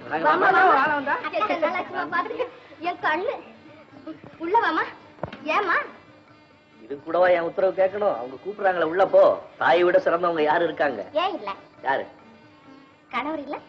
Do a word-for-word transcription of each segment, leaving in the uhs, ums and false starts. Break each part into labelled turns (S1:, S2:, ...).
S1: என் கண்ணு உள்ளவாமா ஏமா
S2: இது கூடவா என் உத்தரவு கேட்கணும்? அவங்க கூப்பிடுறாங்களே உள்ள போ. தாயை விட சிறந்தவங்க யாரு இருக்காங்க?
S1: ஏன் இல்ல?
S2: யாரு?
S1: கணவர் இல்ல?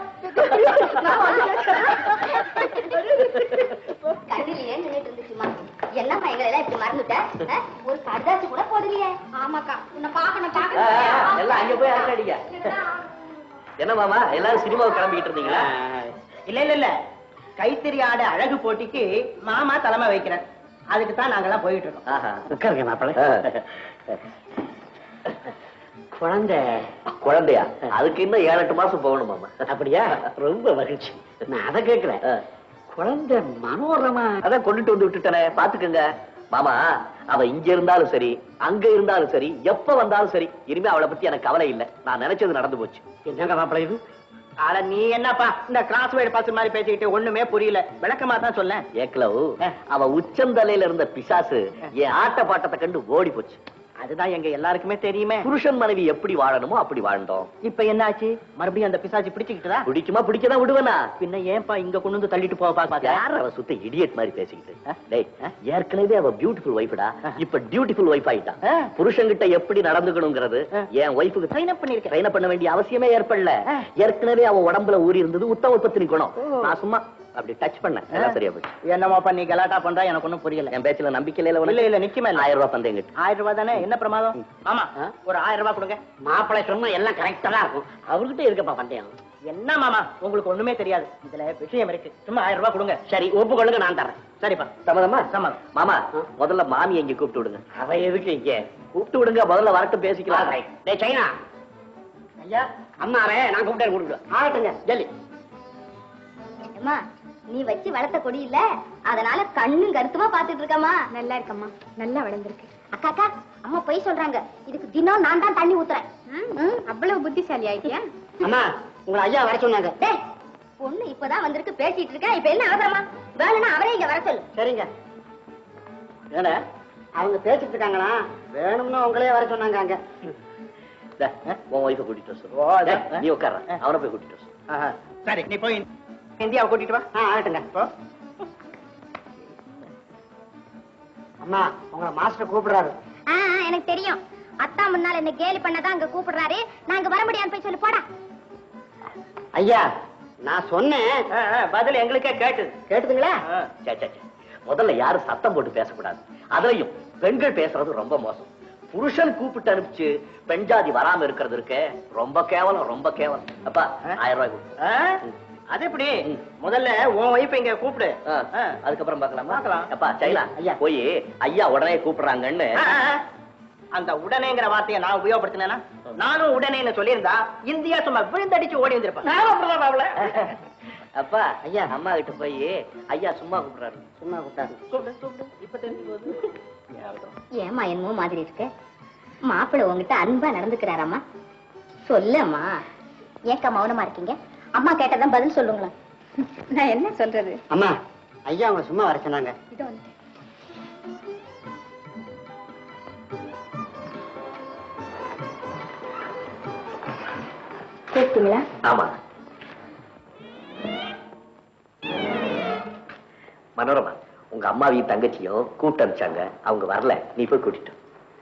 S1: கண்ணிலேயே நின்னுட்டு இருந்துச்சுமா. என்னம்மா எங்களை எல்லாம் இப்படி மறந்துட்ட? ஒரு கடாச்சு கூட போடலையே. ஆமாக்கா உன்னை பாக்கணும் பாக்கணும்.
S2: எல்லாம் அங்க போய் அடிக்க. என்ன மாமா எல்லாரும் சினிமாவுக்கு கிளம்பிக்கிட்டு இருந்தீங்களா?
S3: இல்ல இல்ல இல்ல கைத்தறி ஆட அழகு போட்டிக்கு மாமா தலைமை வைக்கிறேன். அதுக்கு தான் நாங்கெல்லாம் போயிட்டு இருக்கோம்.
S2: உட்காருங்க மாப்பிள்ளை. குழந்தை குழந்தையா? அதுக்கு இன்னும் ஏழு எட்டு மாசம் போகணும் மாமா. அப்படியா? ரொம்ப மகிழ்ச்சி. நான் அதை கேட்கிறேன். குழந்தை மனோரமா அதான் கொண்டுட்டு வந்து விட்டுட்டேனே, பாத்துக்கங்க மாமா. அவ இங்க இருந்தாலும் சரி அங்க இருந்தாலும் சரி எப்ப வந்தாலும் சரி இனிமே அவளை பத்தி எனக்கு கவலை இல்லை. நான் நினைச்சது நடந்து போச்சு. என்னங்க மாப்பிள்ளை இது?
S3: ஆனா நீ என்னப்பா இந்த கிராஸ் வேர்டு பாஸ் மாதிரி பேசிக்கிட்டு ஒண்ணுமே புரியல. விளக்கமா தான் சொல்ல.
S2: ஏக்லவ் அவ உச்சந்தலையில இருந்த பிசாசு என் ஆட்ட பாட்டத்தை கண்டு ஓடி போச்சு.
S3: அதுதான் எங்க எல்லாருக்குமே தெரியுமே.
S2: புருஷன் மனைவி எப்படி வாழணுமோ அப்படி வாழ்ந்தோம்.
S3: இப்ப என்னாச்சு? மறுபடியும் அந்த பிசாச்சு பிடிச்சுக்கிட்டதா?
S2: பிடிக்குமா பிடிக்கதான் விடுவேனா?
S3: பின்ன ஏன்பா இங்க கொண்டு வந்து தள்ளிட்டு போவா?
S2: யார் அவ சுத்த இடியட் மாதிரி பேசிக்கிட்டு? ஏற்கனவே அவ பியூட்டிஃபுல் ஒய்ஃப்டா, இப்ப பியூட்டிஃபுல் ஒய்ஃப் ஆயிட்டா. புருஷன் கிட்ட எப்படி நடந்துக்கணுங்கிறது என் ஒய்ஃபுக்கு ட்ரெயின் அப் பண்ணிருக்கேன். ட்ரெயின் பண்ண வேண்டிய அவசியமே ஏற்படல. ஏற்கனவே அவ உடம்புல ஊறி இருந்தது உத்தம பத்தினி குணம். நான் சும்மா அப்படி டச் பண்ண எல்லாம் சரியா போச்சு.
S3: என்னமா பண்ணி கலாட்டா பண்றா எனக்கு ஒன்னும் புரியல.
S2: என் பேச்சுல நம்பிக்கை இல்ல.
S3: இல்ல இல்ல நிச்சயமா இல்ல.
S2: ஆயிரம் ரூபாய் பந்தயம் கிட்ட.
S3: ஆயிரம் ரூபாய் தானே, என்ன பிரமாதம்? ஆமா ஒரு ஆயிரம் ரூபாய் கொடுங்க.
S2: மாப்பிள்ளை சொன்னா எல்லாம் கரெக்டா தான் இருக்கும். அவர்கிட்ட இருக்கப்பா பந்தயம்.
S3: என்ன மாமா உங்களுக்கு ஒண்ணுமே தெரியாது. இதுல விஷயம் இருக்கு. சும்மா ஆயிரம் ரூபாய் கொடுங்க. சரி ஒப்புக்கொள்ளுங்க, நான் தரேன். சரிப்பா சம்மதமா? சம்மதம். மாமா முதல்ல மாமி எங்க கூப்பிட்டு விடுங்க. அவ எதுக்கு இங்க? கூப்பிட்டு விடுங்க, முதல்ல வரட்டும் பேசிக்கலாம். டேய் சைனா ஐயா அம்மாவே நான் கூப்பிட்டேன் கூப்பிடுவேன். ஆகட்டுங்க ஜல்லி.
S1: அம்மா நீ வச்சு வளர்த்த கொடி இல்ல, அதனால கண்ணும் கருத்துமா பாத்துட்டு இருக்கம்மா. நல்லா இருக்கம்மா, நல்லா வளர்ந்துருக்கு. அக்கா அக்கா அம்மா போய் சொல்றாங்க. இதுக்கு தினம் நான் தான் தண்ணி ஊத்துறேன். அவ்வளவு புத்திசாலி ஆயிட்டியா?
S3: அம்மா உங்களை ஐயா வர சொன்னாங்க.
S1: டேய் பொண்ணு இப்பதான் வந்திருக்கு, பேசிட்டு இருக்கேன். இப்ப என்ன அவசரமா? வேணும்னா அவரே இங்க வர சொல்லு.
S3: சரிங்க. ஏடா அவங்க பேசிட்டு இருக்காங்களா? வேணும்னா உங்களே வர சொன்னாங்க. அங்க
S2: உன் ஒய்ஃபை கூட்டிட்டு வர. நீ உட்கார, அவனை போய் கூட்டிட்டு வர.
S3: சரி நீ போய் இந்தியாவை கூட்டிட்டு வா. ஆகட்டுங்க. அம்மா உங்களை மாஸ்டர் கூப்பிடுறாரு.
S1: எனக்கு தெரியும். அத்தா முன்னால என்ன கேலி பண்ணதான் அங்க கூப்பிடுறாரு. நான் இங்க வர முடியாது போய் சொல்லு போடா.
S3: ஐயா நான் சொன்னேன், பதில் எங்களுக்கே கேட்டு கேட்டுதுங்களா?
S2: முதல்ல யாரும் சத்தம் போட்டு பேசக்கூடாது. அதுலயும் பெண்கள் பேசுறது ரொம்ப மோசம். புருஷன் கூப்பிட்டு அனுப்பிச்சு பெண் ஜாதி வராம இருக்கிறது இருக்கு ரொம்ப கேவலம், ரொம்ப கேவலம். அப்பா ஆயிரம் ரூபாய் கொடு.
S3: அது எப்படி? முதல்ல உன் வைஃப் இங்க கூப்பிடு,
S2: அதுக்கப்புறம் பாக்கலாம்.
S3: பாக்கலாம்.
S2: அப்பா சைலா ஐயா போய் ஐயா உடனே கூப்பிடுறாங்கன்னு.
S3: அந்த உடனேங்கிற வார்த்தையை நான் உபயோகப்படுத்தினேன்னா நானும் உடனே சொல்லியிருந்தா இந்தியா சும்மா விழுந்தடிச்சு ஓடி வந்திருப்பேன்.
S2: அப்பா ஐயா அம்மா கிட்ட போய் ஐயா சும்மா கூப்பிடுறாரு.
S3: சும்மா கூப்பிட்டாரு. கூப்பிடு கூப்பிடு. இப்ப தெரிஞ்சு போகுது.
S1: ஏமா என்னமோ மாதிரி இருக்கு. மாப்பிள்ளை உங்ககிட்ட அன்பா நடந்துக்கிறாராமா? சொல்லம்மா. ஏக்கா மௌனமா இருக்கீங்க? அம்மா கேட்டதான் பதில் சொல்லுங்களா? நான் என்ன சொல்றது?
S3: அம்மா ஐயா அவங்க சும்மா வர சொன்னாங்க.
S1: இதோ வந்து கேட்டீங்களா?
S2: ஆமா மனோரமா உங்க அம்மாவையும் தங்கச்சியும் கூப்பிட்டு அனுப்பிச்சாங்க. அவங்க வரல, நீ போய் கூட்டிட்டு.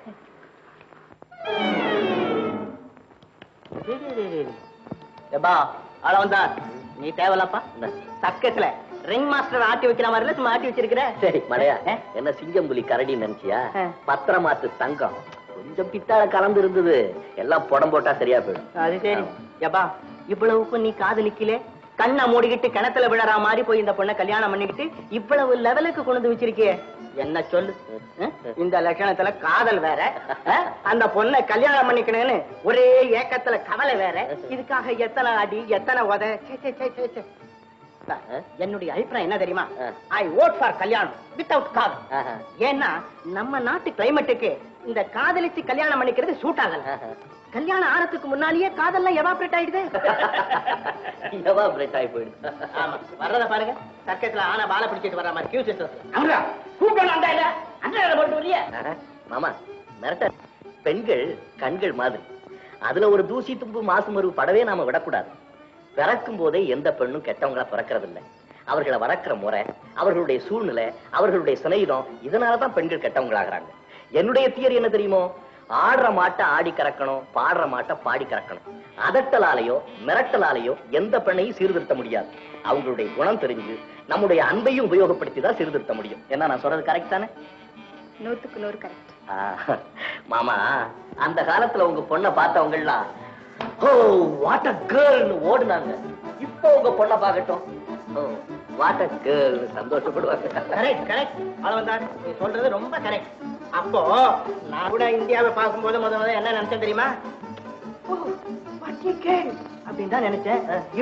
S3: அளவந்தா நீ தேவலப்பா. சக்கத்துல ரிங் மாஸ்டர் ஆட்டி வைக்கிற மாதிரி சும்மா ஆட்டி வச்சிருக்கிற.
S2: சரி மலையா என்ன சிங்கம் புலி கரடி நினைச்சியா? பத்திரமாத்து தங்கம் கொஞ்சம் பித்தாள கலந்து இருந்தது. எல்லாம் புடம் போட்டா சரியா போயிடும்.
S3: அது சரி. எப்பா இவ்வளவுக்கும் நீ காதலிக்கல, கண்ணை மூடிக்கிட்டு கிணத்துல விழற மாதிரி போய் இந்த பொண்ணை கல்யாணம் பண்ணிக்கிட்டு இவ்வளவு லெவலுக்கு கொண்டு வச்சிருக்கிய. என்ன சொல்லு? இந்த லட்சணத்துல காதல் வேற, அந்த பொண்ணை கல்யாணம் பண்ணிக்கணும்னு ஒரே ஏக்கத்துல கவலை வேற. இதுக்காக எத்தனை அடி எத்தனை உத. என்னுடைய அபிப்பிராயம் என்ன தெரியுமா? ஐ வோட் ஃபார் கல்யாணம் வித்தவுட் காதல். ஏன்னா நம்ம நாட்டு கிளைமேட்டுக்கு இந்த காதலிச்சு கல்யாணம் பண்ணிக்கிறது சூட் ஆகல. கல்யாணம் ஆனதுக்கு முன்னாலேயே காதல்லாம் எவாபரேட் ஆயிடுது.
S2: எவாபரேட் ஆகி போயிடுது.
S3: ஆமா வர்றத பாருங்க. சர்க்கஸ்ல ஆனா பால பிடிச்சிட்டு வர்ற மாதிரி கியூ சிஸ்டர். கூப்பிடணும் அந்த இல்ல அந்த போட்டு வரியா?
S2: மாமா மிரட்ட பெண்கள் கண்கள் மாதிரி. அதுல ஒரு தூசி தும்பு மாசு மருவு படவே நாம விடக்கூடாது. பிறக்கும் போதே எந்த பெண்ணும் கெட்டவங்களா பிறக்கிறது இல்லை. அவர்களை வளர்க்கிற முறை, அவர்களுடைய சூழ்நிலை, அவர்களுடைய சிநேகிதம், இதனாலதான் பெண்கள் கெட்டவங்களாகிறாங்க. என்னுடைய தியரி என்ன தெரியுமோ? ஆடுற மாட்டை ஆடி கறக்கணும், பாடுற மாட்டை பாடி கறக்கணும். அதட்டலாலேயோ மிரட்டலாலேயோ எந்த பெண்ணையும் சீர்திருத்த முடியாது. அவங்களுடைய குணம் தெரிஞ்சு நம்முடைய அன்பையும் உபயோகப்படுத்தி தான் சீர்திருத்த முடியும். என்ன நான் சொல்றது கரெக்ட் தானே?
S1: நூத்துக்கு நூறு கரெக்ட்.
S2: மாமா, அந்த காலத்துல உங்க பொண்ணை பார்த்தவங்க எல்லாம் ஓ வாட் அ கேர்ள்னு ஓடுனாங்க. இப்போ உங்க பொண்ணை பார்க்கட்டும், ஓ வாட் அ கேர்ள்னு சந்தோஷப்படுவாங்க.
S3: கரெக்ட் கரெக்ட் அளவந்தார், நீ சொல்றது ரொம்ப கரெக்ட். அப்போ நான் கூட இந்தியாவை பார்க்கும்போது முதல்ல என்ன நினைச்சேன் தெரியுமா? ஓ வாட் எ கேர்ள் அப்படின்னு தான் நினைச்சேன்.